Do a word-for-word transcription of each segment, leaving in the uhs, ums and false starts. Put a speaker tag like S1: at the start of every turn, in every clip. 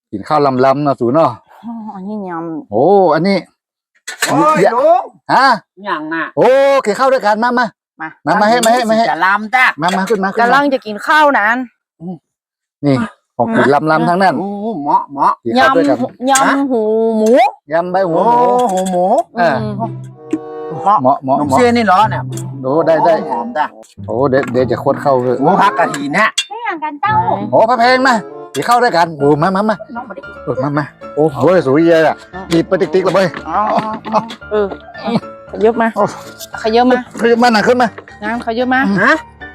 S1: กินข้าวลำลำนะสูเนาะ
S2: อันนี้ย
S1: โอ้อันนี้
S3: โอ้ยลุง
S1: ฮะ
S3: อย่างน่ะ
S1: โอ้กินข้าวด้วยกันมามา
S2: ำมา
S1: มามาให้มาให้มาให้
S3: จะลำจ้ะ
S1: มามาขึ้นมาขึ้น
S2: กำลั
S1: มาง
S2: จะกินข้าวนั้น
S1: นี่ของกินลำลำทั้งนั้น
S3: โอ้เหมาะเหมาะ
S1: กินข้าวด้วยกัน
S2: ยำยำหูหมู
S1: ยำใบหัว
S3: โอ้
S1: หมู
S3: โหหมู
S1: อ่า
S2: เหมาะ
S1: เหมาะเหมาะ
S3: น้อง
S1: เหมาะ
S3: เสียนี่เหรอเนี่ย
S1: โอ้ได้ได้
S3: หอมจ้ะ
S1: โอ้เดี๋ยวเดี๋ยวจะโคตรเข้าเลย
S3: โอ้พักกะทิเนี่ย
S4: ไม่อย่างกันเจ้า
S1: โอ้พระเพลงมากินข้าวด้วยกันโอ้มามามา
S4: น้องมาดิ
S1: เออมามาโอ้โหสวยเยอะอ่ะกีบไปติ๊กติ๊กเลยเว้ย
S2: อ๋อเออขยับมาขยับมา
S1: ขึ้นมาหนักขึ้นมา
S2: น้ำขยับมา
S3: ฮะ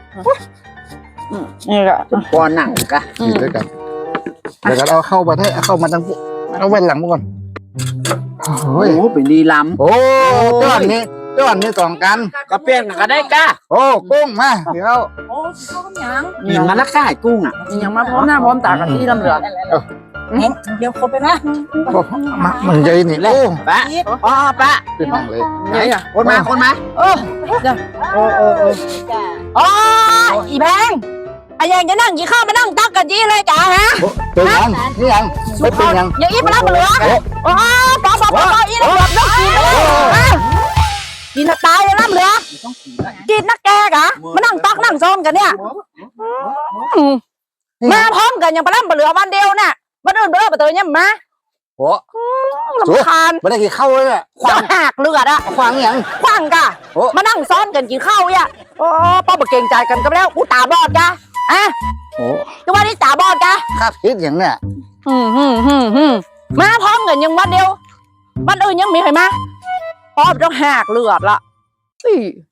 S2: นี่ก็
S3: ปอนหนังกะ
S1: กินด้วยกันเดี๋ยวกันเอาเข้ามาให้เอาเข้ามาทางปุ๊เอาไว้หลังมาก่อนโอ้
S3: โอ้
S1: ย
S3: โหเป็นดีล
S1: โอ้จ้อนนี้จ้อนนี้สองกัน
S3: ำก็เปลี่ยนกันก็ได้กะ
S1: โอ้กุ้งมาเดี๋ยว
S4: โอ้ข้าวยัง
S3: กินกันละก่ายกุ้งอ่ะ
S2: ยังมาพร้อมหน้าพร้อมตากันที่ลำเหลือ
S4: เดี๋ยวคนไปนะ
S1: มามันใหญ่นี่โอ้
S3: ปะอ๋อปะ
S1: ขึ้นนั่งเลย
S2: ไหนอ่ะ
S3: คนมาคนมา
S2: เออ
S3: โอ้โอ้โอ้
S2: อ๋ออีแพงไอ้ยังจะนั่งกินข้าวมานั่งตักกันจีเลยจ้าฮะ
S1: เป็นยังนี่ยังไม่เป็นยัง
S2: อย่างอีปลาเหลือโอ้ปอปอปออีนั่นแบบน้องกินเลยกินตายเลยน้ำเหลือกินนักแกกะมานั่งตักนั่งซ้อมกันเนี่ยมาพร้อมกันอย่างปลาเหลือวันเดียวน่ะวันอื่นเบลอไปเตยเนี่ยมา
S1: โอ้
S2: ลำคาญ
S1: ไม่ได้กินข้าวเลยอ่ะ
S2: ขวางหักเลือดอะ
S1: ขวางยัง
S2: ขวางกะมานั่งซ้อนกันกินข้าวเนี่ยโอ้ป้าบอกเก่งใจกันก็แล้วกูตาบอดกะอ่ะ
S1: โอ้
S2: ก็ว่าที่ตาบอดกะ
S1: คาดคิดอย่างเนี้ย
S2: ฮึมฮึมฮึมฮึมมาพร้อมกันยังวันเดียววันอื่นยังมีใครมาป้อมต้องหักเลือดละ